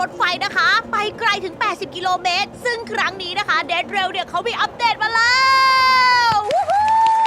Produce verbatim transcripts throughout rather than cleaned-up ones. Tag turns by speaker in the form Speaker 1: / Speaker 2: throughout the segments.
Speaker 1: ถไฟนะคะ ไปไกลถึง แปดสิบ กิโลเมตร ซึ่งครั้งนี้นะคะ Dead Rail เนี่ยเขามีอัปเดตมาแล้ววู้ฮู้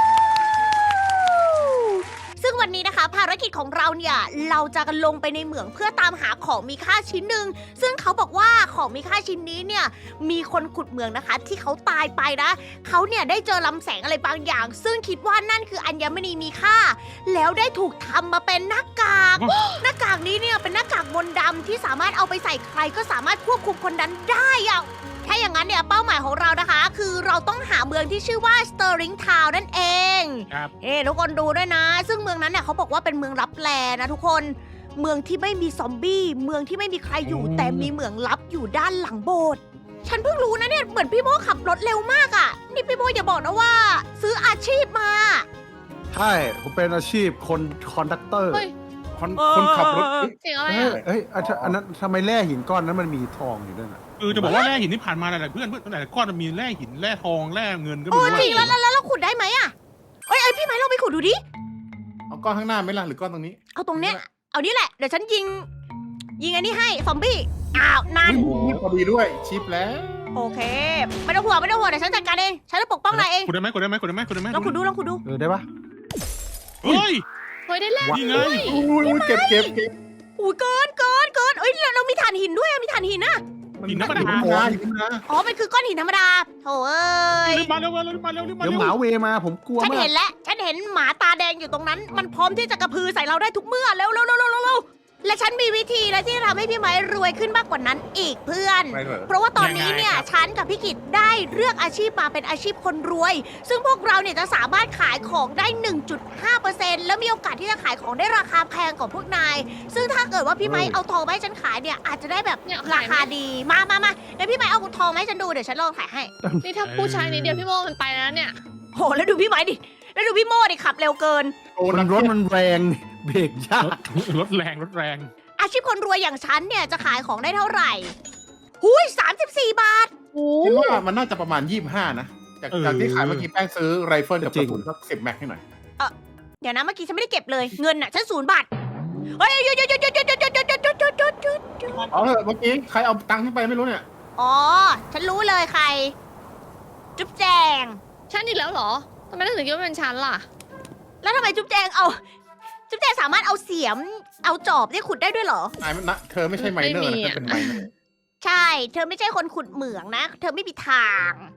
Speaker 1: ซึ่งวันนี้นะคะภารกิจของเราเนี่ยเราจะลงไปในเหมืองเพื่อตามหาของมีค่าชิ้นหนึ่งซึ่งเขาบอกว่าของมีค่าชิ้นนี้เนี่ยมีคนขุดเหมืองนะคะที่เขาตายไปนะเขาเนี่ยได้เจอลำแสงอะไรบางอย่าง ซึ่งคิดว่านั่นคืออัญมณีมีค่า แล้วได้ถูกทำมาเป็นหน้ากาก หน้ากากนี้เนี่ยเป็นหน้ากากมนต์ดำที่สามารถเอาไปใส่ใครก็สามารถควบคุมคนนั้นได้อะถ้าอย่างนั้นเนี่ยเป้าหมายของเรานะคะ คือเราต้องหาเมืองที่ชื่อว่า Stirring Town นั่นเอง
Speaker 2: ครับ
Speaker 1: เฮ้ทุกคนดูด้วยนะ ซึ่งเมืองนั้นเนี่ยเขาบอกว่าเป็นเมืองลับแลนะทุกคน เมืองที่ไม่มีซอมบี้ เมืองที่ไม่มีใครอยู่ แต่มีเหมืองลับอยู่ด้านหลังโบสถ์ ฉันเพิ่งรู้นะเนี่ย เหมือนพี่โมขับรถเร็วมากอะ่ะ นี่พี่โมอย่าบอกนะว่า ซื้ออาชีพมา
Speaker 3: ใช่ ผมเป็นอาชีพคนคอนดักเตอร์
Speaker 4: เฮ้ย
Speaker 2: คนคนขับรถ
Speaker 4: เสียงอะไร
Speaker 3: เฮ้ย
Speaker 4: อ่ะ
Speaker 3: เฮ้ยอันอันนั้นทำไมแร่หินก้อนนั้นมันมีทองอยู่ด้วยน่ะ
Speaker 2: เออจะบอกว่าแร่หินที่ผ่านมาหลายๆเพื่อนเพื่อนหลายๆก้อนมันมีแร่หินแร่ทองแร่เงินก็
Speaker 1: โอ้
Speaker 2: มี
Speaker 1: จริงแล้วแล้วแล้วเราขุดได้ไหมอะเอ้ยเอ้ยพี่ไม้เราไปขุดดูดิ
Speaker 5: เอาก้อนข้างหน้าไหมล่ะหรือก้อนตรงนี้
Speaker 1: เอาตรงเนี้ย เอานี่แหละ เดี๋ยวฉันยิง ยิงอันนี้ให้ ซอมบี้ อ้าว นั่น
Speaker 5: นี่พอดีด้วยชิปแล้ว
Speaker 1: โอเค ไม่ต้องห่วงไม่ต้องห่วงเดี๋ยวฉันจัดการเอง ฉันจะปกป้องนายเอง
Speaker 2: ขุดได้ไหมขุดได้ไหมขุดได้ไหมขุดได้ไหม
Speaker 1: ลองขุดดูลองขุดดู
Speaker 3: เออได้ปะ
Speaker 2: เฮ้ย
Speaker 4: เฮ้ยได้แล้ว
Speaker 2: นี่ไง
Speaker 5: อุ้ยอุ้ยเก็บเก็บเก็บ
Speaker 1: อุ้ยเกินเกินเกินเอ้ยเราเรามีถ่านหินด้วยอะมีถ่านหินนะ
Speaker 2: หินธรรมดา
Speaker 5: หินธรรมดาหินธรรมดา
Speaker 1: อ๋อ มันคือก้อนหินธรรมดาโถเอ้ย
Speaker 2: รีบมาเร็วมาเร็วรีบมาเร็วรีบมา
Speaker 3: เดี๋ยว
Speaker 2: เร็ว
Speaker 3: หมาเวมาผมกลัว
Speaker 1: ฉัน
Speaker 3: มา
Speaker 1: เห็
Speaker 3: ก
Speaker 1: นแล้ว ฉันเห็นหมาตาแดงอยู่ตรงนั้น มันพร้อมที่จะกระพือใส่เราได้ทุกเมื่อ เร็วเร็วเร็วเร็วเร็วเร็วและฉันมีวิธีนะที่จะทำให้พี่ไม้รวยขึ้นมากกว่านั้นอีกเพื่อน
Speaker 5: ไม่เหรอ
Speaker 1: เพราะว่าตอนนี้เนี่ยฉันกับพี่กิตได้เลือกอาชีพมาเป็นอาชีพคนรวย ซึ่งพวกเราเนี่ยจะสามารถขายของได้ หนึ่งจุดห้าเปอร์เซ็นต์ แล้วมีโอกาสที่จะขายของได้ราคาแพงกว่าพวกนาย ซึ่งถ้าเกิดว่าพี่ไม้เอาทองมาให้ฉันขายเนี่ยอาจจะได้แบบ
Speaker 4: เนี่ย
Speaker 1: รา
Speaker 4: ขายไหม
Speaker 1: คาดี มามามาเดี๋ยวพี่ไม้เอาทองมาให้ฉันดูเดี๋ยวฉันลองขายให้
Speaker 4: นี่ถ้าผู้ชายนิดเดียวพี่โมมันไปแล้วเนี่ย
Speaker 1: โหแล้วดูพี่ไม้ดิ แล้วดูพี่โม่ดิขับเร็วเกิน
Speaker 5: โอ้
Speaker 3: มันรถ
Speaker 5: นัก
Speaker 3: มันแรงเบรกยาก
Speaker 2: รถแรงรถแรง
Speaker 1: อาชีพคนรวยอย่างฉันเนี่ยจะขายของได้เท่าไหร่หุยสามสิบสี่บาท
Speaker 4: โอ้
Speaker 5: คิดว่ามันน่าจะประมาณยี่สิบห้านะ จากจากที่ขายเมื่อกี้แป้งซื้อไรเฟิลกับกระสุนสักสิบแม็กให้หน่อย
Speaker 1: เดี๋ยวนะเมื่อกี้ฉันไม่ได้เก็บเลย เงินน่ะฉันศูนย์บาท เฮ้ยหยุดหยุดหยุดหยุดหยุดหยุดหยุดหยุดหยุดหยุดหยุดหยุดหยุดหยุด
Speaker 5: เอาเถอะเมื่อกี้ใครเอาตังค์ขึ้นไปไม่รู้เนี่ย
Speaker 1: อ๋อ ฉันรู้เลยใคร จุ๊บแจง
Speaker 4: ฉันอีกแล้วเหรอทำไมถึงคิดว่าเป็นฉันล่ะ
Speaker 1: แล้วทำไมจุ๊บแจงเอา จุ๊บแจงสามารถเอาเสียม เอาจอบได้ขุดได้ด้วยเหรอ
Speaker 5: นายมันนะเธอไม่ใช่ไมเนอร์
Speaker 4: ไม่
Speaker 5: นะ
Speaker 4: มี
Speaker 5: เธอ
Speaker 4: อะ
Speaker 5: เป็นไมเนอร์
Speaker 1: ใช่ เธอไม่ใช่คนขุดเหมืองนะ เธอไม่มีทาง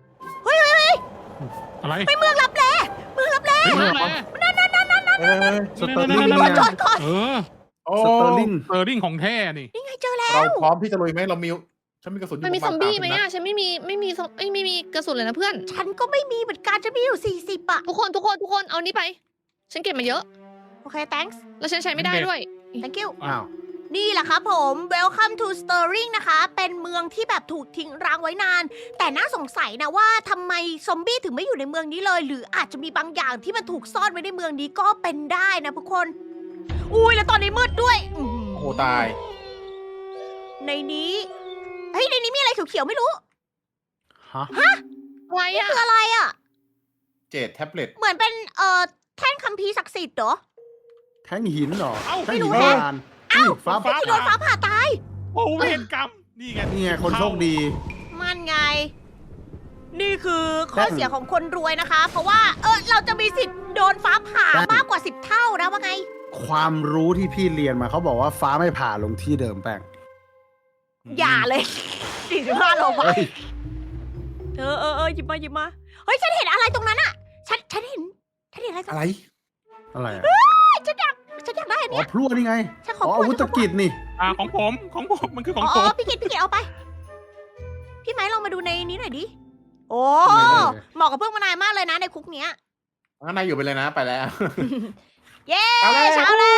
Speaker 2: อะไร
Speaker 1: ไปเมืองลับแลเมืองลับแล
Speaker 2: เฮ้ยมาแล้ว
Speaker 5: เออ
Speaker 3: สเตอร์ลิง
Speaker 2: นั่น
Speaker 1: ก่อน
Speaker 2: ๆ
Speaker 1: จอดก่อน
Speaker 2: เออ
Speaker 5: โอ้
Speaker 3: สเตอร์ลิง
Speaker 2: เฟอร์ริ่งของแท้นี่
Speaker 1: นี่ไงเจอแล้ว
Speaker 5: เราพร้อมที่จะลุยไหมเรามีฉันมีกระสุนอยู่
Speaker 4: มันมี
Speaker 5: ป
Speaker 4: ซ
Speaker 5: ระ
Speaker 4: อ
Speaker 5: มาณ
Speaker 4: มบี้ไหม
Speaker 5: สา
Speaker 4: อ่ะ ฉันไม่มีไม่มีซอมเอ้ยไม่มีกระสุนเลยนะเพื่อน
Speaker 1: ฉันก็ไม่มีเหมือนกันฉันมีอยู่สี่สิบอะ
Speaker 4: ทุกคนทุกคนทุกคนเอานี้ไป ฉันเก็บมาเยอะ
Speaker 1: โอเค thanks
Speaker 4: แล้วฉันใช้ไม่ได้ด้วย
Speaker 1: thank you
Speaker 3: อ้าว
Speaker 1: นี่แหละครับผม Welcome to Stirring นะคะ เป็นเมืองที่แบบถูกทิ้งร้างไว้นาน แต่น่าสงสัยนะว่าทำไมซอมบี้ถึงไม่อยู่ในเมืองนี้เลย หรืออาจจะมีบางอย่างที่มันถูกซ่อนไว้ในเมืองนี้ก็เป็นได้นะทุกคน อุ้ยแล้วตอนนี้มืดด้วยอื้อหือ
Speaker 5: โอ้ตาย
Speaker 1: ในนี้ เฮ้ยในนี้มีอะไรเขียวๆไม่รู้
Speaker 3: ฮะ
Speaker 4: อะไรอ่ะ
Speaker 1: คืออะไรอะ่ะ
Speaker 5: เจ็ดแท็บเล็ต
Speaker 1: เหมือนเป็นเอ่อแท่นคัมภีร์ศักดิ์สิทธิ์เหรอ
Speaker 3: แท่งหินเหรอ
Speaker 2: เอ้า
Speaker 3: แท่งหิน
Speaker 1: ไม่รู้
Speaker 3: โบ
Speaker 1: แฮะ
Speaker 3: ราณอุ้ยฟ้า
Speaker 2: ฟ้า
Speaker 1: ที่โดนฟ้าผ่าตาย
Speaker 2: โอ้เวรกรรมนี่ไง
Speaker 3: นี่ไงคนโชคดี
Speaker 1: มันไง นี่คือข้อเสียของคนรวยนะคะ เพราะว่าเออเราจะมีสิทธิ์โดนฟ้าผ่า
Speaker 3: ได้
Speaker 1: มากกว่าสิบเท่านะว่าไง
Speaker 3: ความรู้ที่พี่เรียนมาเขาบอกว่าฟ้าไม่ผ่าลงที่เดิมแป้ง
Speaker 1: อย่าเลยสี่สิบห้าโลบาท
Speaker 3: เฮ้ย
Speaker 1: เออเออเออหยิบมาหยิบมา เฮ้ย ฉันเห็นอะไรตรงนั้นอะฉัน ฉันเห็น ฉันเห็นอะไรตรง
Speaker 5: อะไร
Speaker 3: อะไรอะ
Speaker 1: ฉันอยาก ฉันอยากได้อัน
Speaker 3: อ๋อ
Speaker 1: เนี้ย
Speaker 3: พลั่วนี่ไง
Speaker 1: ฉันขอ
Speaker 3: อ๋อ
Speaker 1: พู
Speaker 3: อา
Speaker 1: ด
Speaker 3: วุธกิจนี่
Speaker 2: อ่าของผมของผมมันคือข
Speaker 1: อ๋
Speaker 2: อง
Speaker 1: อ
Speaker 2: ผม
Speaker 1: พี่กิตพี่กิตเอาไป พี่ไม้ลองมาดูในนี้หน่อยดิ โอ้
Speaker 3: ไม่ได้เลย
Speaker 1: เหมาะกับพวกมานายมากเลยนะในคุกเนี้ย
Speaker 5: งั้นนายอยู่ไปเลยนะไปแล้ว
Speaker 1: เย้
Speaker 5: เอาแล้ว
Speaker 1: เช้าแล้ว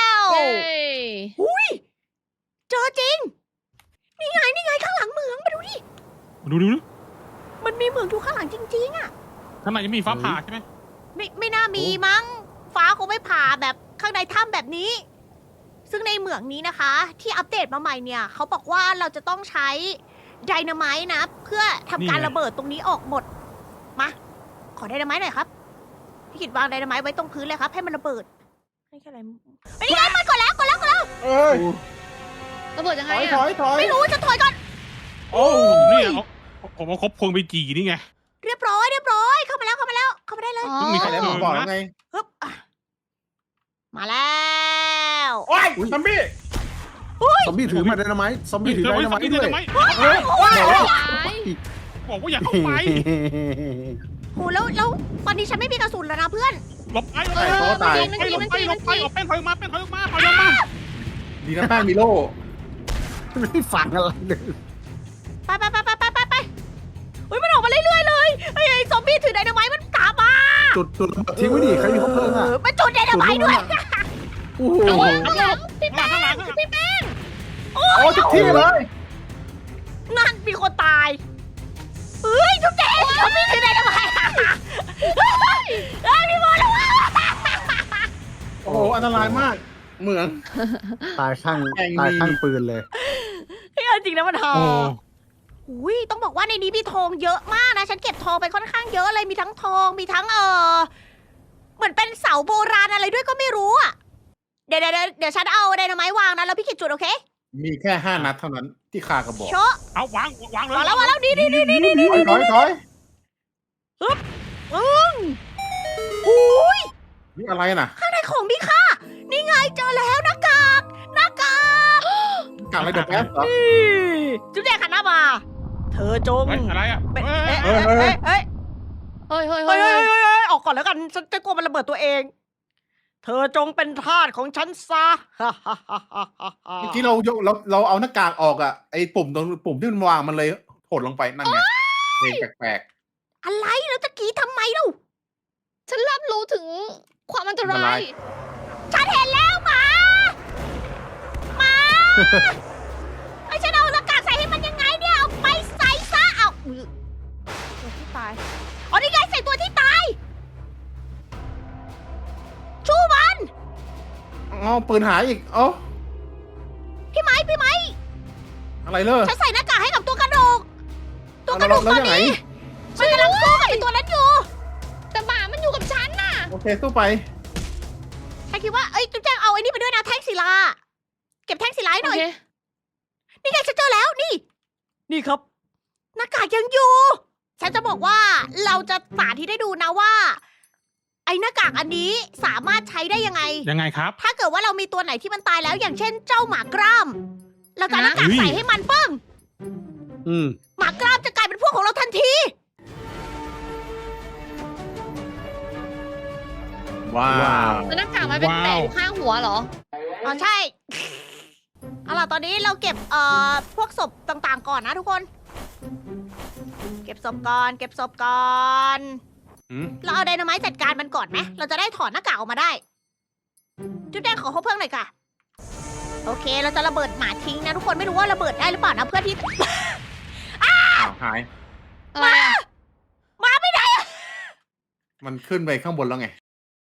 Speaker 4: เย้
Speaker 1: อุ้ยเจอจริง นี่ไง นี่ไงข้างหลังเหมืองมาดูดิ
Speaker 2: ดูดูดู
Speaker 1: มันมีเหมืองอยู่ข้างหลังจริงๆอะ
Speaker 2: ข้างในยังมีฟ้าผ่าใช่ไหม
Speaker 1: ไม่ไม่น่ามีมั้ง ฟ้าคงไม่ผ่าแบบข้างในถ้ำแบบนี้ ซึ่งในเหมืองนี้นะคะ ที่อัปเดตมาใหม่เนี่ยเขาบอกว่าเราจะต้องใช้ไดนาไมต์นะ เพื่อทำการระเบิดตรงนี้ออกหมด มา ขอไดนาไมต์หน่อยครับ พี่กิดวางไดนาไมต์ไว้ตรงพื้นเลยครับ ให้มันระเบิดให้แค่อะไรไอ้ยนี่ไงมันกดแล้วกดแล้วกดแล้ว
Speaker 5: เอ้ย
Speaker 4: ระเบิดยัง
Speaker 5: ถ
Speaker 4: ไง
Speaker 5: อย
Speaker 4: อะ
Speaker 5: ถอยถอย
Speaker 1: ไม่รู้จะถอยก่อน
Speaker 2: โอ้เนี่ยเอาผมเอาครบพวงไปจีนี่ไง
Speaker 1: เรียบร้อยเรียบร้อยเข้ามาแล้วเข้ามาแล้วเข้ามาได้เลย
Speaker 4: อ๋อ
Speaker 2: เพิ่งมี
Speaker 5: ไปแล้วผมบอกแล้วไง
Speaker 1: ฮึบอ่ะมาแล้ว
Speaker 5: โอ้ยซัมบี้
Speaker 3: ซอมบี้ถือมาไดนาไมต์ซอมบี้ถือไดนาไมต์ด้วย
Speaker 2: ไม
Speaker 5: เออ
Speaker 2: บอกว่าอย่าเข้าไป
Speaker 1: โหแล้วแล้วตอนนี้ฉันไม่มีกระสุนแล้วนะเพื่อน
Speaker 2: หลบไปหลบ
Speaker 4: เอ
Speaker 2: ไป
Speaker 4: อ
Speaker 2: หล
Speaker 4: มัน
Speaker 2: บ
Speaker 4: ยิง
Speaker 2: ไป
Speaker 4: มัน
Speaker 2: หล
Speaker 4: ยิง
Speaker 2: บ
Speaker 4: มัน
Speaker 2: ไป
Speaker 4: ยิง
Speaker 2: หล
Speaker 4: มัน
Speaker 2: บไป
Speaker 4: ยิง
Speaker 2: หลบไปแป้งถอยออกมาแป้งถอยออกมาถอยออกมา
Speaker 5: ดีนะแป้งมีโล่
Speaker 3: ไม่ได้ฝังอะไรเลย
Speaker 1: ไปไปไปไปไปไปไปเฮ้ยมันออกมาเรื่อยๆเลยไอ้ไอ้ซอมบี้ถือไดนาไมต์มันตามมา
Speaker 3: จุดจุดระเบิดทิ้งไว้ดิใครมีคบเพลิงอ่ะ
Speaker 1: เออมันจุดไดนาไมต์ด้วย
Speaker 3: โอ้โห
Speaker 4: เอาวะเอาแล้วพี่
Speaker 2: ข้างห
Speaker 4: แป้
Speaker 2: ลัง
Speaker 4: ง
Speaker 2: ข้างหลังข้างหลัง
Speaker 4: พี่แป้ง
Speaker 5: โอ้ทุกที่เลย
Speaker 1: นั่นมีคนตายเฮ้ยทุกแกซอมบี้ถือไดนาไมต์เฮ้ยเฮ้ยพี่บอลระวัง
Speaker 5: โอ้โหอันตรายมาก เหมือง
Speaker 3: ตายข้าง
Speaker 5: แม่งมี
Speaker 3: ตายข้างปืนเลย
Speaker 1: เฮ้ยเอาจริงนะมันหอ
Speaker 2: โอ้
Speaker 1: อุ้ยต้องบอกว่าในนี้มีทองเยอะมากนะ ฉันเก็บทองไปค่อนข้างเยอะเลย มีทั้งทอง มีทั้งเออเหมือนเป็นเสาโบราณอะไรด้วยก็ไม่รู้อ่ะ เดี๋ยวเดี๋ยวเดี๋ยวฉันเอาไดนาไมต์วางนะ แล้วพี่กิจจุดโอเค
Speaker 5: มีแค่ห้านัดเท่านั้นที่คากระบอก
Speaker 1: โชะ
Speaker 2: เอาวางวางเลยว
Speaker 1: างแล้ววางแล้วนี่นี่นี่นี่นี่
Speaker 5: ถอยถอยถอย
Speaker 1: อืมอุ้ย
Speaker 5: นี่อะไรน่ะ
Speaker 1: ข้างในของมีค่า นี่ไงเจอแล้วหน้ากาก หน้ากาก
Speaker 5: กากอะไรเดือดแป๊บเหรอ
Speaker 1: นี่จุ๊บแจงขันหน้ามา เธอจง
Speaker 2: เฮ้ยอะไรอ่ะ
Speaker 1: เป็น
Speaker 2: เฮ้ย
Speaker 1: เอ๊ะเอ๊ะเอ๊ะเอ๊ะ
Speaker 4: เฮ้ยเฮ้ย
Speaker 1: เฮ้
Speaker 4: เฮ้
Speaker 1: ย
Speaker 4: ย
Speaker 1: เฮ้
Speaker 4: เฮ้
Speaker 1: ย
Speaker 4: ย
Speaker 1: เฮ้ยเฮ้ยออกก่อนแล้วกัน ฉันจะกลัวมันระเบิดตัวเอง เธอจงเป็นทาสของฉันซะ
Speaker 5: เมื่อกี้เราเราเราเอาหน้ากากออกอ่ะไอ้ปุ่มตรงปุ่มที่มันวางมันเลยหดลงไปนั่นไงเพลงแปลก
Speaker 1: อะไรแล้วตะกี้ทำไมเล่า
Speaker 4: ฉันรับรู้ถึงความอันต
Speaker 5: อันต
Speaker 4: ราร
Speaker 5: าย ย
Speaker 1: ฉันเห็นแล้วหมา หมา ไอ้ฉันเอาหน้ากากใส่ให้มันยังไงเนี่ย เอาไปใส่ซะ เอาอุ๊ยตัวที่ตาย อ๋อนี่ไงใส่ตัวที่ตาย ชูมัน
Speaker 5: อ๋อปืนหายอีกเอ้า
Speaker 1: พี่ไม้พี่ไม้
Speaker 5: อะไรเลย
Speaker 1: ฉันใส่หน้ากากให้กับตัวกระดูก ตัวกระดูก
Speaker 5: แล้ว
Speaker 1: ตอน
Speaker 5: ยังไง
Speaker 1: นี้ มันกำลังสู้กับไอ้ตัวนั้นอยู่
Speaker 4: แต่หมามันอยู่กับฉันน่ะ
Speaker 5: โอเคสู้ไป
Speaker 1: ฉันคิดว่า เอ้ยจุ๊บแจงเอาไอ้นี่ไปด้วยนะแท่งศิลา เก็บแท่งศิลาให้ห
Speaker 4: โอ
Speaker 1: น่อย
Speaker 4: เค
Speaker 1: นี่ไงฉันเจอแล้วนี่ นี่ครับ หน้ากากยังอยู่ ฉันจะบอกว่าเราจะสาธิตให้ดูนะว่า ไอ้หน้ากากอันนี้สามารถใช้ได้ยังไง
Speaker 2: ยังไงครับ
Speaker 1: ถ้าเกิดว่าเรามีตัวไหนที่มันตายแล้ว อย่างเช่นเจ้าหมากล้าม เราจะเอาหน้ากาก
Speaker 2: ฮะ
Speaker 1: ใส่ให้มันเปิ้ง
Speaker 3: อืม
Speaker 1: หมากล้ามจะกลายเป็นพวกของเราทันที
Speaker 5: ว้าว
Speaker 4: แล้วหน้ากากมันเป็นแปะอยู่ข้างหัวเหรอ
Speaker 1: อ๋อใช่ เอาล่ะตอนนี้เราเก็บเอ่อพวกศพต่างๆก่อนนะทุกคน เก็บศพก่อน เก็บศพก่อน
Speaker 5: อืม
Speaker 1: เราเอาไดนาไมต์จัดการมันก่อนไหม เราจะได้ถอดหน้ากากออกมาได้ จุดแดงขอเขาเพิ่มหน่อยค่ะ โอเค เราจะระเบิดหมาทิ้งนะทุกคนไม่รู้ว่าระเบิดได้หรือเปล่านะเพื่อที่
Speaker 5: อ้าวหาย
Speaker 4: อะไรอะ
Speaker 1: มาไม่ได้
Speaker 5: มันขึ้นไปข้างบนแล้วไง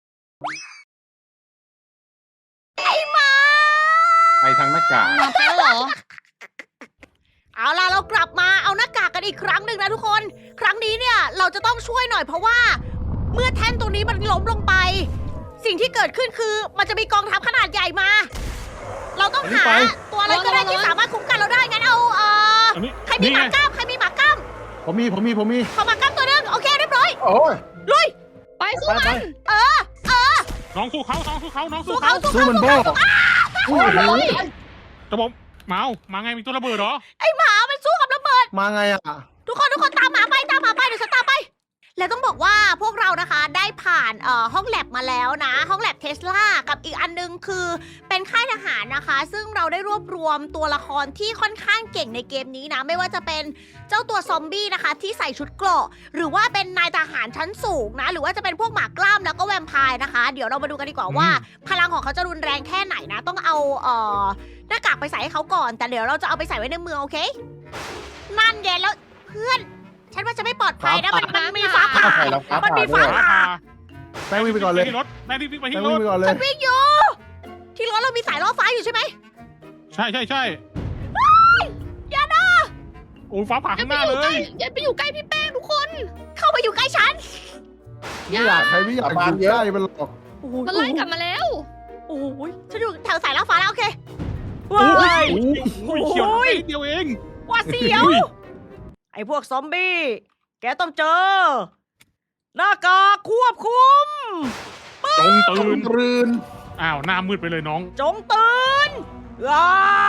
Speaker 1: ไอ้หมา
Speaker 5: ไปทางหน้ากาก
Speaker 4: หมาแป้งเหรอ
Speaker 1: เอาล่ะเรากลับมาเอาหน้ากากกันอีกครั้งหนึ่งนะทุกคน ครั้งนี้เนี่ยเราจะต้องช่วยหน่อยเพราะว่า เมื่อแท่นตรงนี้มันล้มลงไป สิ่งที่เกิดขึ้นคือมันจะมีกองทัพขนาดใหญ่มา เราต้องหาตัวอะไรก็ได้ที่สามารถคุ้มกันเราได้งั้นเอาเอ่อ
Speaker 2: อันนี้
Speaker 1: ใครมีหมากล้ามใครมีหมากล้าม
Speaker 3: ผมมีผมมีผมมี
Speaker 1: ขอหมากล้ามตัวหนึงโอเคเรียบร้อย
Speaker 5: โอ้ย
Speaker 1: ลุย
Speaker 4: ไปสู้
Speaker 5: ไปไป
Speaker 4: มัน
Speaker 2: น้องสู้เขาน้องสู้เขาน้องสู้
Speaker 1: สู้
Speaker 2: เขา
Speaker 1: เขาสู้
Speaker 3: สู้
Speaker 1: เขา
Speaker 3: มัน
Speaker 1: สู้
Speaker 3: โบ้
Speaker 1: เขา
Speaker 3: โอ้โห
Speaker 2: จะบอกเมามาไงมีตัวระเบิดเหรอ
Speaker 1: ไอ้หมามันสู้กับระเบิด
Speaker 3: มาไงอ่ะ
Speaker 1: ทุกคนทุกคนตามหมาไปตามหมาไปเดี๋ยวฉันตามไป แล้วต้องบอกว่าพวกเรานะคะได้ผ่านเอ่อห้องแลบมาแล้วนะ ห้องแลบเทสลากับอีกอันนึงคือเป็นค่ายทหารนะคะ ซึ่งเราได้รวบรวมตัวละครที่ค่อนข้างเก่งในเกมนี้นะ ไม่ว่าจะเป็นเจ้าตัวซอมบี้นะคะ ที่ใส่ชุดเกราะหรือว่าเป็นนายทหารชั้นสูงนะ หรือว่าจะเป็นพวกหมากล้ามแล้วก็แวมไพร์นะคะ เดี๋ยวเรามาดูกันดีกว่าว่า พลังของเขาจะรุนแรงแค่ไหนนะ ต้องเอาเอ่อหน้ากากไปใส่ให้เขาก่อน แต่เดี๋ยวเราจะเอาไปใส่ไว้ในเมืองโอเค นั่นเย็นแล้วเพื่อน ฉันว่าจะไม่ปลอดภัยนะมันมันมีฟ้าผ่า
Speaker 5: ใส่แล้วฟ้า
Speaker 1: มัน
Speaker 5: ผ่า
Speaker 1: มี
Speaker 5: ด้ว
Speaker 1: ฟ้าย ผ่า
Speaker 3: แป้งวิ่งไปก่อนเลย
Speaker 2: ที่รถแม่รีบวิ่งไป
Speaker 3: แป้
Speaker 2: ที่
Speaker 3: ง
Speaker 2: ร
Speaker 3: วิ่ง
Speaker 2: ถ
Speaker 3: ไปก่อนเลย
Speaker 1: ฉันวิ่งอยู่ ที่รถเรามีสายล่อฟ้าอยู่ใช่ไหม
Speaker 2: ใช่ใช่ใช่
Speaker 1: อย่านะ
Speaker 2: โอ้ยฟ้าผ่า
Speaker 4: อย่า
Speaker 2: ข้างห
Speaker 4: ไป
Speaker 2: น้า
Speaker 4: อยู่
Speaker 2: เล
Speaker 4: ใกล้
Speaker 2: ย
Speaker 4: อย่าไปอยู่ใกล้พี่แป้งทุกคน
Speaker 1: เข้ามาอยู่ใกล้ฉัน
Speaker 3: ไม่อยากใครไม่อยากอยู่ใกล้มันหรอก
Speaker 1: โอ้โห
Speaker 4: มันไล่กลับมาแล้ว
Speaker 1: โอ้โหฉันอยู่แถวสายล่อฟ้าแล้วโอเคว้าย
Speaker 2: โอ้ยเขียวนิดเดียวเอง
Speaker 1: ว่าเสียว
Speaker 2: อุ้ย
Speaker 1: ไอ้พวกซอมบี้ แกต้องเจอ หน้ากากควบคุม
Speaker 2: จงตื่น
Speaker 3: รืน
Speaker 2: อ้าวหน้ามืดไปเลยน้อง
Speaker 1: จงตื่นอ้า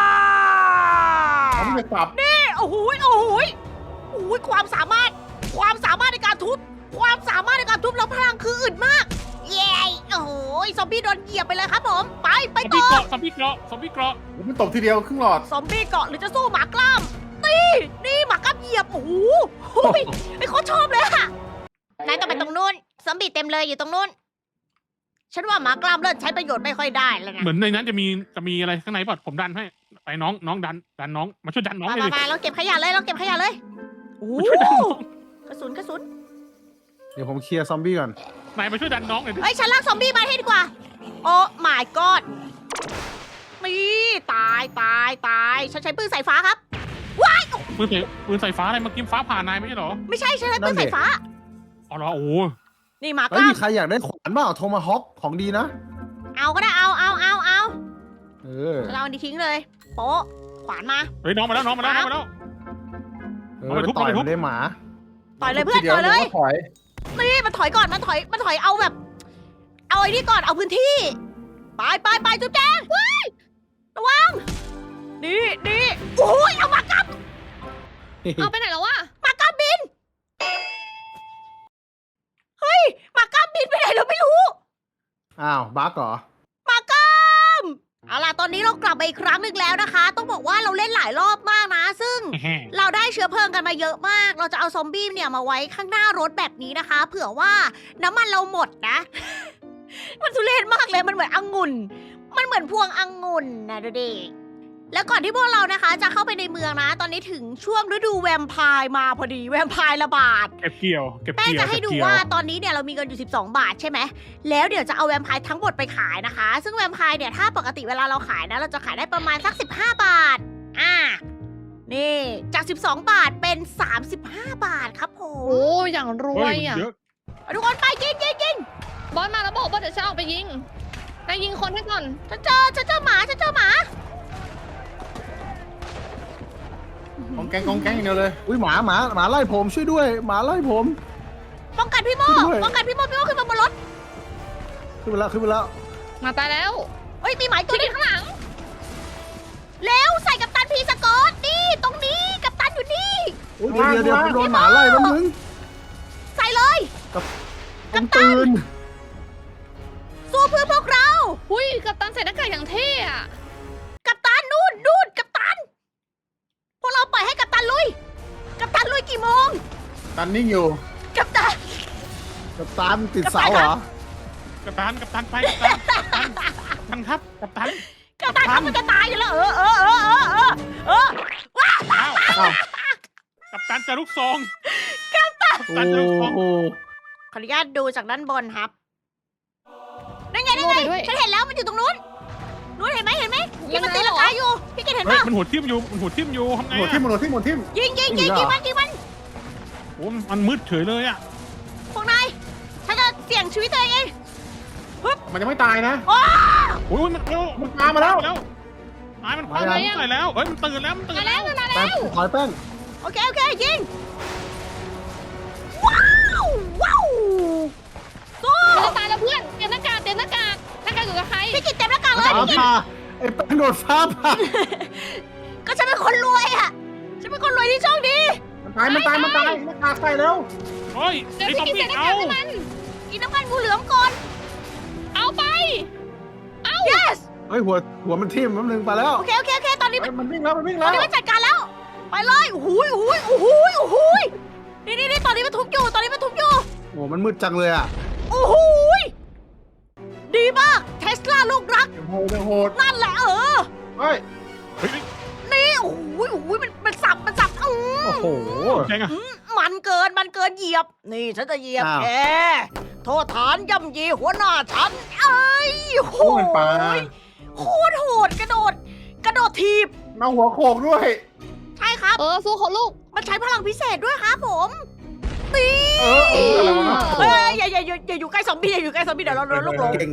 Speaker 5: ผมจะสับ
Speaker 1: นี่โอ้โหยโอ้โหยโอ้โหยความสามารถ ความสามารถในการทุบ ความสามารถในการทุบแล้วพลังคืออึดมาก เย้โอ้โหยซอมบี้โดนเหยียบไปเลยครับผม ไปไป
Speaker 2: ซอมบี้
Speaker 1: ต่อ
Speaker 2: เกาะซอมบี้เกาะซอมบี้เกาะ
Speaker 5: ผมไม่ตบทีเดียวครึ่งหลอด
Speaker 1: ซอมบี้เกาะหรือจะสู้หมากล้ามนี่นี่หมากล้ามเหยียบ โอ้โหโอ้ยไอ้เขาชอบเลยอะนายต้องไปตรงนู้น ซอมบี้เต็มเลยอยู่ตรงนู้น ฉันว่าหมากล้ามเริ่มใช้ประโยชน์ไม่ค่อยได้แล้วนะ
Speaker 2: เหมือนในนั้นจะมีจะมีอะไรข้างในป่ะผมดันให้ไปน้องน้องดันดันน้องมาช่วยดันน้อง
Speaker 1: มา
Speaker 2: เลย
Speaker 1: มา
Speaker 2: ดิ
Speaker 1: มาเราเก็บขยะเลย เราเก็บขยะเลย โอ้
Speaker 2: มาช่วยดันน้อง
Speaker 1: กระสุนกระสุน
Speaker 3: เดี๋ยวผมเคลียร์ซอมบี้ก่อน
Speaker 2: นายมาช่วยดันน้องเลยดิ
Speaker 1: เฮ้ย ฉันลากซอมบี้มาให้ดีกว่า โอ้ my god นี่ตายตายตาย ฉันใช้ปืนสายฟ้าครับ ว้าย
Speaker 2: ปืนใส่ปืนใส่ฟ้าอะไรเมื่อกี้ฟ้าผ่านายไม่ใช่เหรอ
Speaker 1: ไม่ใช่ ฉันใช้ปืนสายฟ้า
Speaker 2: อ๋อเหรอโอ้
Speaker 1: นี่หมาก
Speaker 3: เฮ้ย
Speaker 1: ล้า
Speaker 3: มี
Speaker 1: ม
Speaker 3: ใครอยากได้ขวานเปล่าโทมาฮอคของดีนะ
Speaker 1: เอาก็ได้ เอาเอาเอาเอา
Speaker 3: เออ
Speaker 1: ฉันเอาอันนี้ทิ้งเลย โป๊ะขวานมา
Speaker 2: เฮ้ยน้องมาแล้วน้องมาแล้วน้องมาแล้ว
Speaker 3: เออ
Speaker 2: เอาไปทุบ
Speaker 3: ต่อย
Speaker 2: เอาไปทุบ
Speaker 3: มันได้หมา
Speaker 1: ต่อยเลยเพื่อน
Speaker 5: ทีดีว
Speaker 1: ต่อยเลย
Speaker 5: ผมก็ถอย
Speaker 1: นี่มันถอยก่อน มันถอย มันถอยเอาแบบ เอาไอ้นี่ก่อน เอาพื้นที่ ไปไปไปจุ๊บแจงว้ายระวัง นี่นี่โอ้ยเอาหมากล้าม
Speaker 4: เอาไปไหนแล้ววะ
Speaker 1: หมากล้ามบิน เฮ้ยหมากล้ามบินไปไหนเราไม่รู้
Speaker 3: อ้าวบั๊กเหรอ
Speaker 1: หมากล้ามเอาล่ะตอนนี้เรากลับมาอีกครั้งหนึ่งแล้วนะคะ ต้องบอกว่าเราเล่นหลายรอบมากนะ ซึ่ง
Speaker 2: แฮ่
Speaker 1: เราได้เชื้อเพลิงกันมาเยอะมาก เราจะเอาซอมบี้เนี่ยมาไว้ข้างหน้ารถแบบนี้นะคะ เผื่อว่าน้ำมันเราหมดนะ มันทุเรศมากเลย มันเหมือนองุ่น มันเหมือนพวงองุ่นนะดูดิ แล้วก่อนที่พวกเรานะคะ จะเข้าไปในเมืองนะ ตอนนี้ถึงช่วงฤดูแวมไพร์มาพอดี แวมไพร์ระบาด
Speaker 2: เก็บเกี่ยวเก็บ
Speaker 1: แป้ง
Speaker 2: เกี่ยว
Speaker 1: จะให้ดู
Speaker 2: เก็บเกี่ยว
Speaker 1: ว่าตอนนี้เนี่ยเรามีเงินอยู่สิบสองบาทใช่ไหม แล้วเดี๋ยวจะเอาแวมไพร์ทั้งหมดไปขายนะคะ ซึ่งแวมไพร์เนี่ยถ้าปกติเวลาเราขายนะ เราจะขายได้ประมาณสักสิบห้าบาท อ่า นี่จากสิบสองบาทเป็นสามสิบห้าบาทครับผ
Speaker 4: โอ้
Speaker 1: ม
Speaker 4: อย่างรว
Speaker 2: เฮ้
Speaker 4: ย
Speaker 2: ย
Speaker 4: อ่ะ
Speaker 2: เยอะ
Speaker 1: เอาทุกคนไปยิงยิงยิง
Speaker 4: บอสมาแล้วบอกว่าเดี๋ยวฉันออกไปยิงนายยิงคนให้ก่อน
Speaker 1: ฉันเจอฉันเจอหมาฉันเจอหมา
Speaker 5: กองแกงกองแกงอย่างเดียวเลย
Speaker 3: อุ้ยหมาหมาหมาไล่ผมช่วยด้วย หมาไล่ผม
Speaker 1: ป้องกันพี่โม
Speaker 3: ด้วย
Speaker 1: ป้องกันพี่โมพี่โมขึ้นมาบนรถ
Speaker 3: ขึ้นไปแล้วขึ้นไปแล้ว
Speaker 4: มาตายแล้ว
Speaker 1: เฮ้ยมีหมาอีกตัว
Speaker 4: ที่
Speaker 1: หนึง
Speaker 4: ข้างหลัง
Speaker 1: แล้วใส่กับตันพีสกอตนี่ตรงนี้กับตันอยู่นี่
Speaker 3: โอ้ยเดี๋ยวเดี๋ยวเดี๋ยวโดนหมาไล่แล้วมึง
Speaker 1: ใส่เลย
Speaker 3: ต้องตื่น
Speaker 1: สู้เพื่อพวกเรา
Speaker 4: หุ้ยกัปตันใส่หน้ากากอย่างเท่อะ
Speaker 1: กับตันนู่นนู่นกับตัน พวกเราปล่อยให้กับตันลุย กับตันลุยกี่โมง
Speaker 5: ตันนิ่งอยู่
Speaker 1: กับตัน
Speaker 3: กับตามติดเสาเหรอ
Speaker 2: กัปตันกัปตันไปกัปตันกัปตันกัปตันครับกัปตัน
Speaker 1: กับตันเขามันจะตายอยู่แล้วเออเออเออเออเออเออว้าว
Speaker 2: อ้าว
Speaker 3: อ้าว
Speaker 2: กัปตันจะลูกซอง
Speaker 3: โอ้
Speaker 2: ตันจะลูกซอง
Speaker 3: โห
Speaker 1: ขออนุญาตดูจากด้านบนครับนั่นไงนั่น
Speaker 4: โง่
Speaker 1: ไง
Speaker 4: ไปด้วย
Speaker 1: ฉันเห็นแล้วมันอยู่ตรงนู้นนู้นเห็นไหมเห็นไหมที่มัน
Speaker 4: มัน
Speaker 1: ตี
Speaker 4: น่า
Speaker 1: ลังกาอยู่พี่เกดเห็น
Speaker 2: เฮ้ย
Speaker 1: ป่ะ
Speaker 2: มันหัวทิ่มอยู่มันหัวทิ่มอยู่ทำไง
Speaker 5: หมดทิ่ม
Speaker 2: อะ
Speaker 5: หมดทิ่มหมดทิ่ม
Speaker 1: ยิงยิงยิงยิงมันยิงมัน
Speaker 2: โอ้มันมืดเฉยเลยอ่ะ
Speaker 1: พวกนายฉันจะเสี่ยงชีวิตตัวเองเอง
Speaker 5: มันยังไม่ตายนะ
Speaker 1: โอ้
Speaker 2: โอ้ยมันมัน
Speaker 5: มันตามมาแล้ว
Speaker 2: ตายมันคว้ามันใส่แล้วเฮ้ยมันตื่นแล้วมันตื่
Speaker 4: มาน แล้
Speaker 2: แล้ว ว
Speaker 4: มันมา
Speaker 3: แป้
Speaker 4: แล้
Speaker 3: ง
Speaker 4: ว
Speaker 3: ถอยแป้ง
Speaker 1: โอเคโอเคยิงว้าวว้าวสู้
Speaker 4: มันจะตายแล้วเพื่อนเตรียมหน้ากากเตรียมหน้ากากหน้ากากอยู่กับใคร
Speaker 1: พี่กิจเต็มหน้ากากเลย
Speaker 3: ฟ้า
Speaker 1: พี่กิจ
Speaker 3: ผ่าไอ้แป้งโดนฟ้าผ่า
Speaker 1: ก็ฉันเป็นคนรวยอะฉันเป็นคนรวยที่โชคดี
Speaker 5: มันตายมันตายมันตายหน้ากากใส่แล้ว
Speaker 2: เฮ้ย
Speaker 4: เดี๋ยว
Speaker 2: ไอ้
Speaker 4: พี่
Speaker 2: ซอม
Speaker 4: กิน
Speaker 2: บี้
Speaker 4: ใส่หน้า
Speaker 2: เอา
Speaker 4: กากให้มัน
Speaker 1: กินน้ำมันงูเหลือมก่อน
Speaker 4: เอาไป
Speaker 1: yes
Speaker 3: เฮ้ยหัวหัวมันทิ่มแป๊บนึงไปแล้ว
Speaker 1: โอเคโอเคโอเคตอนนี้
Speaker 5: เฮ้ยมันวิ่งแล้วมันวิ่ง
Speaker 1: ตอ
Speaker 5: แล้
Speaker 1: น
Speaker 5: ว
Speaker 1: นี้มันจัดการแล้ว ไปเลยโอ้โหโอ้โหโอ้โหโอ้โหนี่นี่นี่ตอนนี้มันทุบอยู่ตอนนี้มันทุบอยู่
Speaker 3: โอ้มันมืดจังเลยอ่ะ
Speaker 1: โอ้โหดีมากเทสลาลูกรัก
Speaker 5: ยังโหดยังโหด
Speaker 1: นั่นแหละเออ
Speaker 5: เฮ้ย
Speaker 2: เฮ้ย
Speaker 1: นี่โอ้โหโอ้โหมันมันสับมันสับอืม
Speaker 3: โอ้โห
Speaker 2: แจงอะ
Speaker 1: มันเกินมันเกินเหยียบ นี่ฉันจะเหยียบ
Speaker 3: อ้าว
Speaker 1: แกโทษฐานย่ำยีหัวหน้าฉันเอ้ยโห
Speaker 5: โอ้ยปลา
Speaker 1: โคตรโหดกระโดด กระโดดทีบ
Speaker 5: เอาหัวโขกด้วย
Speaker 1: ใช่ครับ
Speaker 4: เออสู้เขาลูก
Speaker 1: มันใช้พลังพิเศษด้วยครับผมนี่
Speaker 5: เออเอออะไรวะ
Speaker 1: เฮ้ยอย่าอย่าอย่าอย่าอยู่ใกล้ซอมบี้อย่าอยู่ใกล้ซอมบี้เดี๋ยวเราโดนลูกหลง
Speaker 3: เก่ง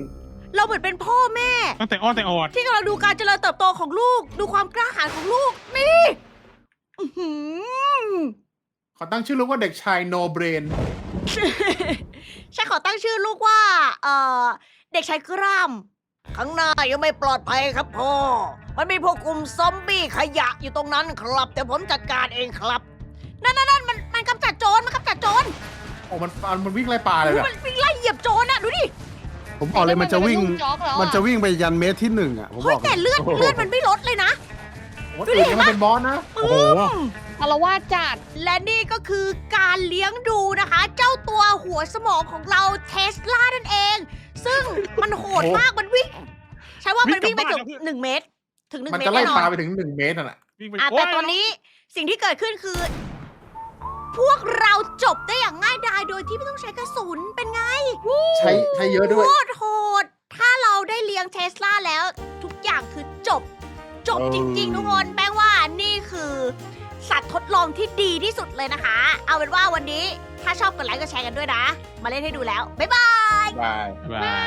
Speaker 1: เราเหมือนเป็นพ่อแม่
Speaker 2: ตั้งแต่อ้อนแต่ออด
Speaker 1: ที่กำลังดูการเจริญเติบโตของลูก ดูความกล้าหาญของลูก นี่อื้อหือ
Speaker 5: ขอตั้งชื่อลูกว่าเด็กชายโนเบรน
Speaker 1: ฉันขอตั้งชื่อลูกว่า เอ่อ เด็กชายกล้าม ข้างหน้ายังไม่ปลอดภัยครับพ่อ มันมีพวกกลุ่มซอมบี้ขยะอยู่ตรงนั้นครับ แต่ผมจัดการเองครับ นั่นนั่นนั่นมันมันกำจัดโจร มันกำจัดโจร
Speaker 5: โอ้มันมันมันวิ่งไล่ปลาเลย
Speaker 1: โอ้
Speaker 5: อะ
Speaker 1: มันวิ่งไล่เหยียบโจรน่ะ ดูดิ
Speaker 3: ผมบอกเลยมันจะวิ่ง
Speaker 4: เป็ลูกจ๊อกแล้วอ
Speaker 3: มันจะวิ่งไปยันเมตรที่หนึ่งอ่ะผม
Speaker 1: เฮ้
Speaker 3: บ
Speaker 1: ย
Speaker 3: อก
Speaker 1: แต่เลือดเลือดมันไม่ลดเลยนะ
Speaker 5: โอ้ยอื่นยังมันเป็นบอสนะ
Speaker 2: โอ้โห
Speaker 4: อารวาสจัด
Speaker 1: และนี่ก็คือการเลี้ยงดูนะคะ เจ้าตัวหัวสมองของเราเทสลานั่นเอง ซึ่งมันโหดมากมันวิ่งใช่ว่ามันวิ่งไปเกือบหนึ่งเมตร ถึงหนึ่ง
Speaker 5: มัน
Speaker 1: เมต
Speaker 5: จะ
Speaker 1: ร
Speaker 5: ไล่
Speaker 1: แน่นอ
Speaker 5: ปลาน ไปถึงหนึ่งเมตรน่ะ
Speaker 2: วิ่งไป
Speaker 1: อ่ะ
Speaker 2: โย
Speaker 1: แต่ตอนนี้สิ่งที่เกิดขึ้นคือ พวกเราจบได้อย่างง่ายดายโดยที่ไม่ต้องใช้กระสุนเป็นไง
Speaker 5: ใช้ใช้เยอะด้วย
Speaker 1: โคตรโหด ถ้าเราได้เลี้ยงเทสลาแล้วทุกอย่างคือจบ จบ
Speaker 5: เออ
Speaker 1: จริงๆ ทุกคนแป้งว่านี่คือสัตว์ทดลองที่ดีที่สุดเลยนะคะ เอาเป็นว่าวันนี้ถ้าชอบกดไลค์กดแชร์กันด้วยนะ มาเล่นให้ดูแล้ว บ๊ายบาย
Speaker 5: บาย
Speaker 2: บาย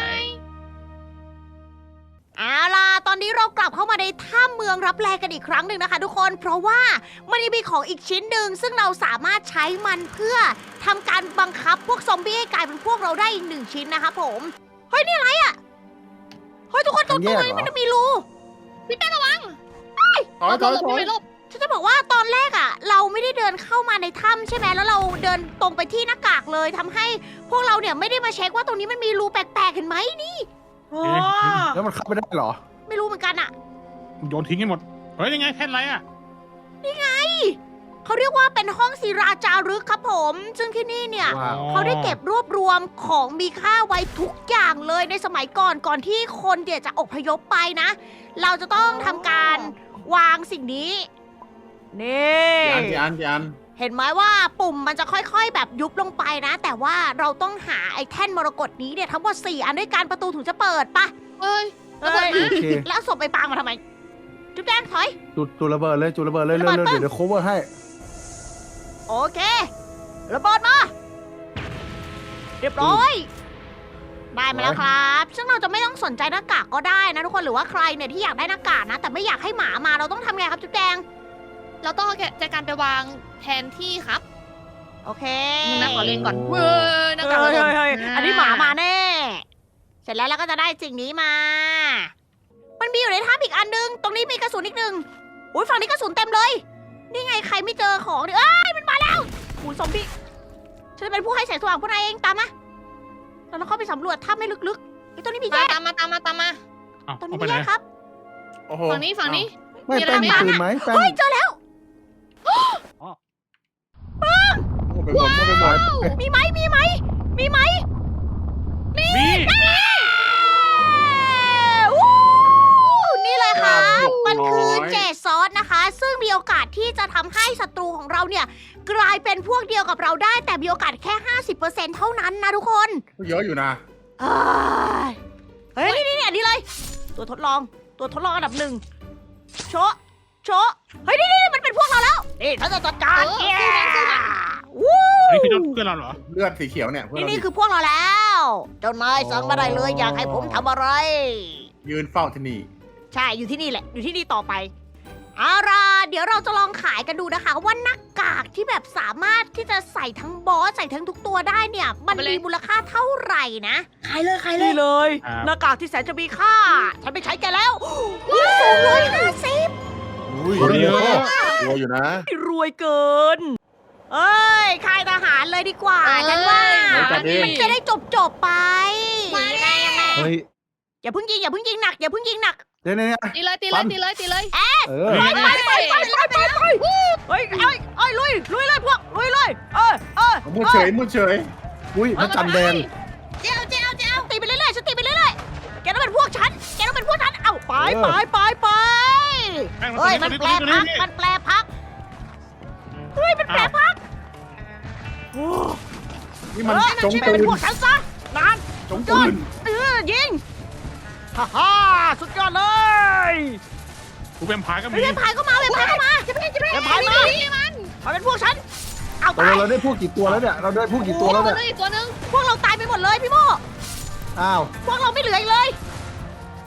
Speaker 1: เอาล่ะ ตอนนี้เรากลับเข้ามาในถ้ำเมืองรับแลกันอีกครั้งหนึ่งนะคะ ทุกคน เพราะว่ามันยังมีของอีกชิ้นหนึ่งซึ่งเราสามารถใช้มันเพื่อทำการบังคับพวกซอมบี้ให้กลายเป็นพวกเราได้อีกหนึ่งชิ้นนะคะผม เฮ้ยนี่อะไรอ่ะ เฮ้ยทุกคนตรงตรงนี้มันจะมีรู
Speaker 4: พี่แป้งระวัง
Speaker 5: ถอยถอย
Speaker 4: หลบ
Speaker 5: ถอย
Speaker 4: พี่ไปหลบ
Speaker 1: ฉันจะบอกว่าตอนแรกอ่ะ เราไม่ได้เดินเข้ามาในถ้ำใช่ไหมแล้วเราเดินตรงไปที่หน้ากากเลยทำให้พวกเราเนี่ยไม่ได้มาเช็คว่าตรงนี้มันมีรูแปลกๆเห็นไหมนี่โอ้
Speaker 3: แล้วมันเข้าไปได้เหรอ
Speaker 1: ไม่รู้เหมือนกันอ่ะ
Speaker 2: โยนทิ้งให้หมด เฮ้ยยังไงแค่ไรอ่ะ
Speaker 1: เขาเรียกว่าเป็นห้องศิราจารึกครับผม ซึ่งที่นี่เนี่ย
Speaker 3: ว้าว
Speaker 1: เขาได้เก็บรวบรวมของมีค่าไว้ทุกอย่างเลยในสมัยก่อนก่อนที่คนเดี๋ยวจะอพยพไปนะ เราจะต้องทำการวางสิ่งนี้ นี่
Speaker 5: กี่อันกี่อันกี่อัน
Speaker 1: เห็นไหมว่าปุ่มมันจะค่อยๆแบบยุบลงไปนะ แต่ว่าเราต้องหาไอ้แท่นมรกตนี้เนี่ยทั้งหมดสี่อันด้วยกันประตูถึงจะเปิดปะ
Speaker 4: เอ้ย
Speaker 1: เอ้ย
Speaker 3: โอเค
Speaker 1: แล้วเอาศพไปปางมาทำไม จุ๊บแดงถอย
Speaker 3: จุดจุดระเบิดเลยจุดระเบิดเลย
Speaker 1: ระ
Speaker 3: เร็ว
Speaker 1: เบิด
Speaker 3: เร็ว
Speaker 1: ปึ้ง
Speaker 3: เดี๋ยว cover ให้
Speaker 1: โอเค ระเบิดมา เรียบร้อย ได้มาแล้วครับ ซึ่งเราจะไม่ต้องสนใจหน้ากากก็ได้นะทุกคน หรือว่าใครเนี่ยที่อยากได้หน้ากากนะ แต่ไม่อยากให้หมามา เราต้องทำไงครับจุ๊บแดง
Speaker 4: เราต้องเอาจัดการไปวางแทนที่ครับ
Speaker 1: โอเค
Speaker 4: นักขอเล่นก่อนเว้ยนัก
Speaker 1: เฮ้
Speaker 4: ขอยเล่น
Speaker 1: เฮ้ยเฮ้ยอันนี้หมามาแน่ เสร็จแล้วเราก็จะได้สิ่งนี้มา มันมีอยู่ในถ้ำอีกอันนึง ตรงนี้มีกระสุนอีกหนึ่งอุ้ยฝั่งนี้กระสุนเต็มเลย นี่ไงใครไม่เจอของเนี่ยเอ้ยมันมาแล้วหูซอมบี้ ฉันจะเป็นผู้ให้แสงสว่างพวกนายเองตามมาเราต้องเข้าไปสำรวจถ้ำไม่ลึกๆไอ้ยตัวนี้มีแย
Speaker 4: มาก ตามมาตามมาตามมา
Speaker 2: เอา
Speaker 1: ตัว
Speaker 2: เอา
Speaker 1: นี้
Speaker 2: ไป
Speaker 1: มี
Speaker 2: ไหน
Speaker 1: แยกครับ
Speaker 5: โอ้โห
Speaker 4: ฝั่งนี้ฝั่งนี้
Speaker 3: ไม่
Speaker 4: มีอะไร
Speaker 3: แป้งมี
Speaker 4: บ้าง
Speaker 3: ปืนไหมแป้ง
Speaker 1: เฮ้ยเจอแล้ว
Speaker 5: โอ้โหไปหมดไปหมด
Speaker 1: มีไหมมีไหมมีไหม
Speaker 2: มี
Speaker 1: วู้นี่เลยครับ มันคือเจดซอสนะคะ ซึ่งมีโอกาสที่จะทำให้ศัตรูของเราเนี่ย กลายเป็นพวกเดียวกับเราได้ แต่มีโอกาสแค่ ห้าสิบเปอร์เซ็นต์ เท่านั้นนะทุกคน
Speaker 5: เยอะอยู่นะ
Speaker 1: เอ้ยเฮ้ย นี่นี่อันนี้เลย ตัวทดลอง ตัวทดลองอันดับหนึ่งโชะโชะเฮ้ย นี่นี่มันเป็นพวกเราแล้ว นี่ฉันจะจัดการ
Speaker 4: เออ
Speaker 1: แก
Speaker 4: สู้กันสู้กัน
Speaker 1: วู้
Speaker 2: อันนี้คือเจ้าเพื่อนเราเหรอ
Speaker 5: เลือดสีเขียวเนี่ยเพื่อน
Speaker 1: นี่
Speaker 5: เรา
Speaker 1: นี่
Speaker 5: ดิ
Speaker 1: คือพวกเราแล้ว เจ้านายสั่งมาได้เลย อยากให้ผมทำอะไร
Speaker 5: ยืนเฝ้าที่นี่
Speaker 1: ใช่ อยู่ที่นี่แหละ อยู่ที่นี่ต่อไป เอาล่ะเดี๋ยวเราจะลองขายกันดูนะคะ ว่าหน้ากากที่แบบสามารถที่จะใส่ทั้งบอสใส่ทั้งทุกตัวได้เนี่ย มันมีมูลค่าเท่าไหร่นะ ขายเลยขายเลยเลย
Speaker 2: ครับ
Speaker 1: หน้ากากที่แสนจะมีค่า ฉันไปใช้แกแล้วอุ้ยสูงเลยห้าสิบ
Speaker 3: อุ้ย
Speaker 2: คนเยอะ
Speaker 5: กลัวอยู่นะ
Speaker 1: รวยเกิน เอ้ยค่ายทหารเลยดีกว่า
Speaker 4: เอ้ย
Speaker 1: ฉันว่า
Speaker 5: เฮ้ยจัดดิ
Speaker 1: มันจะได้จบจบๆไป
Speaker 4: มาได้ยังไง
Speaker 3: เฮ้ย
Speaker 1: อย่าเพิ่งยิงอย่าเพิ่งยิงหนักอย่าเพิ่งยิงหนัก
Speaker 3: เนี่ยเนี่ย
Speaker 4: ตีเลยตีเลยตีเลยตีเลย
Speaker 3: เออ
Speaker 2: เฮ้ย
Speaker 1: ไปไปไปไปไปไปเฮ้ยเอ้ยเอ้ยลุยลุยเลยพวกลุยเลยเออเออ
Speaker 5: มุดเฉยมุดเฉย
Speaker 3: อุ้ยพระจันทร์แดง
Speaker 1: เจ้าเจ้าเจ้าตีไปเรื่อยๆฉันตีไปเรื่อยๆแกต้องเป็นพวกฉันแกต้องเป็นพวกฉันเอ้าไป
Speaker 3: เออ
Speaker 1: ไปไปไป
Speaker 2: แป้ง
Speaker 1: เฮ้ย
Speaker 2: ตั
Speaker 1: มั
Speaker 2: วน นี้
Speaker 1: แป
Speaker 2: ตัว
Speaker 1: ล
Speaker 2: นี้ตัวนี้
Speaker 1: พักมันแปลพักเฮ้ยมันแปลพักโอ้
Speaker 5: นี่มัน
Speaker 1: เออ
Speaker 5: จง
Speaker 1: ไป
Speaker 5: ปื
Speaker 1: เป็น
Speaker 5: น
Speaker 1: พวกฉันซะนาน
Speaker 5: จงปืน
Speaker 1: เออยิงฮ่าฮ่าสุดยอดเลย
Speaker 2: กูเป็นพายก็มี
Speaker 1: เฮ้ยเว็บพายก็มาเว็บพายก็มาเว็บพายมามาเป็นพวกฉันเอา
Speaker 3: ตก
Speaker 1: ตา
Speaker 3: ล
Speaker 1: ย
Speaker 3: งเราได้พวกกี่ตัวแล้วเนี่ยเราได้พวกกี่ตัวแล้ว
Speaker 4: ตัว
Speaker 3: เนี่ย
Speaker 4: นึงอีกตัวนึง
Speaker 1: พวกเราตายไปหมดเลยพี่โม
Speaker 3: อ้าว
Speaker 1: พวกเราไม่เหลืออีกเลย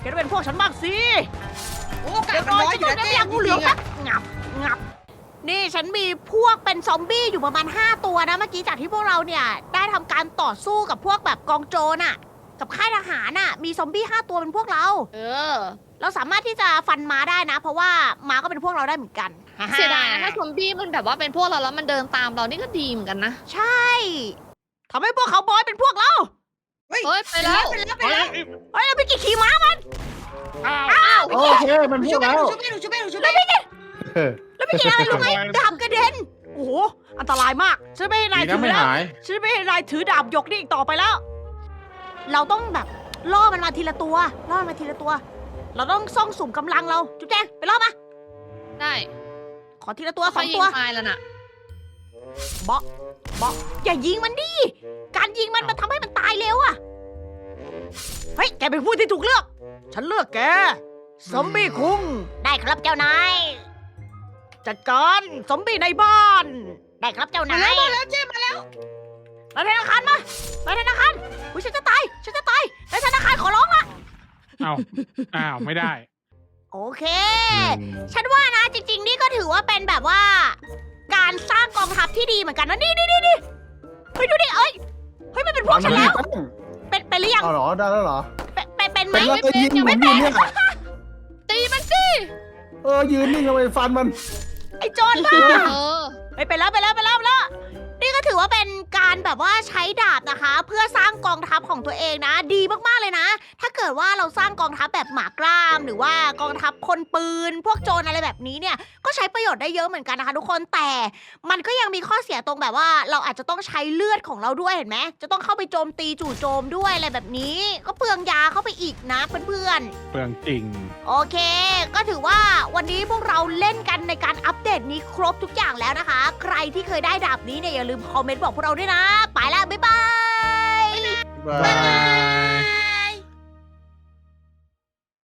Speaker 1: ก็เป็นพวกฉันบ้างสิ
Speaker 6: โอ้โอกาสมันน้อยอยู่นะ
Speaker 1: เดี๋
Speaker 6: เจ๊
Speaker 1: ยว
Speaker 6: จ
Speaker 1: งูเหลื
Speaker 6: ริ
Speaker 1: อม
Speaker 6: งๆ
Speaker 1: แป๊
Speaker 6: อะ
Speaker 1: บงับงับ นี่ฉันมีพวกเป็นซอมบี้อยู่ประมาณห้าตัวนะเมื่อกี้จากที่พวกเราเนี่ยได้ทำการต่อสู้กับพวกแบบกองโจรน่ะ กับค่ายทหารน่ะ มีซอมบี้ห้าตัวเป็นพวกเรา
Speaker 4: เออ
Speaker 1: เราสามารถที่จะฟันม้าได้นะ เพราะว่าม้าก็เป็นพวกเราได้เหมือนกัน
Speaker 4: เสียดายนะถ้าซอมบี้มันแบบว่าเป็นพวกเราแล้วมันเดินตามเรานี่ก็ดีเหมือนกันนะ
Speaker 1: ใช่ทำให้พวกเขาบอยเป็นพวกเรา
Speaker 6: เฮ้ย
Speaker 4: เฮ้ยไปแล้ว
Speaker 6: ไปแล้วไป
Speaker 2: เฮ้ย
Speaker 6: แล้ว
Speaker 1: เฮ้ยเราไปกี่ขี่ม้ามัน
Speaker 2: อ้าว
Speaker 1: อ้าว
Speaker 3: โอเคมัน
Speaker 6: หนู
Speaker 3: พู
Speaker 6: ช่
Speaker 3: ด
Speaker 6: วย
Speaker 3: แล้ว
Speaker 6: หนูช่วยหนูช่วยหนูช่วย
Speaker 3: เออ
Speaker 1: แล้วไปกี่อะไรรู้ไหมดาบกระเด็นโอ้โหอันตรายมากฉันไม่ให้นาย
Speaker 5: ดี
Speaker 1: ถื
Speaker 5: นะ
Speaker 1: อ
Speaker 5: ไม่
Speaker 1: แล้ว
Speaker 5: หาย
Speaker 1: ฉันไม่ให้นายถือดาบยกนี่อีกต่อไปแล้ว เราต้องแบบล่อมันมาทีละตัวล่อมันมาทีละตัว เราต้องซ่องสุมกำลังเราจุ๊บแจงไปล่อมา
Speaker 4: ได้
Speaker 1: ขอทีละตัวส
Speaker 4: เขา
Speaker 1: อง
Speaker 4: ยิ
Speaker 1: ตั
Speaker 4: ง
Speaker 1: ว
Speaker 4: ตายแล้วน่ะ
Speaker 1: เบาะเบาะอย่ายิงมันดิการยิงมันมันทำให้มันตายเร็วอะเฮ้ยแกเป็นผู้ที่ถูกเลือก ฉันเลือกแกซอมบี้คุงได้ครับเจ้านายจัดการซอมบี้ในบ้าน ได้ครับเจ้า
Speaker 6: มาน
Speaker 1: าย
Speaker 6: แล้วมาแล้วเจ๊มาแล้ว
Speaker 1: ไปธนาคารมาไปธนาคารอุ้ยฉันจะตายฉันจะตายในธนาคารขอร้องละ
Speaker 2: อ้าวอ้าวไม่ได้
Speaker 1: โอเค ฉันว่านะจริง ๆ นี่ก็ถือว่าเป็นแบบว่า การสร้างกองทัพที่ดีเหมือนกันนะนี่นี่นี่นี่เฮ้ยดูดิเอ้ยเฮ้ยมันเป็นพวกฉันแล้ว เป็นเป็นหรือยัง
Speaker 3: เอาเหรอได้แล้วเหรอ
Speaker 1: เป็นเป็นเป็นไหม
Speaker 3: เป็นแล้วก็ยิง
Speaker 4: ยัง
Speaker 3: ผ
Speaker 4: ไม่
Speaker 3: ม
Speaker 4: เป็
Speaker 3: ยื
Speaker 4: น
Speaker 3: นเนี่ย
Speaker 4: ตีมันสิ
Speaker 3: เออยืนนิ่งเอาไปฟันมัน
Speaker 1: ไอ้โจรบ้า
Speaker 4: เออ
Speaker 1: ไปไปแล้วไปแล้วไปแล้วไปแล้วนี่ก็ถือว่าเป็นการแบบว่าใช้ดาบนะคะ เพื่อสร้างกองทัพของตัวเองนะ ดีมากๆเลยนะ ถ้าเกิดว่าเราสร้างกองทัพแบบหมากล้าม หรือว่ากองทัพคนปืน พวกโจรอะไรแบบนี้เนี่ย ก็ใช้ประโยชน์ได้เยอะเหมือนกันนะคะ ทุกคนแต่มันก็ยังมีข้อเสียตรงแบบว่าเราอาจจะต้องใช้เลือดของเราด้วยเห็นไหมจะต้องเข้าไปโจมตีจู่โจมด้วยอะไรแบบนี้ ก็เปลืองยาเข้าไปอีกนะเพื่อนๆ
Speaker 2: เปลืองจริง
Speaker 1: โอเค ก็ถือว่าวันนี้พวกเราเล่นกันในการอัปเดตนี้ครบทุกอย่างแล้วนะคะ ใครที่เคยได้ดาบนี้เนี่ยอย่าลืมคอมเมนต์บอกพวกเราด้วยนะ ไปแล้ว บ๊ายบาย
Speaker 3: บ๊ายบาย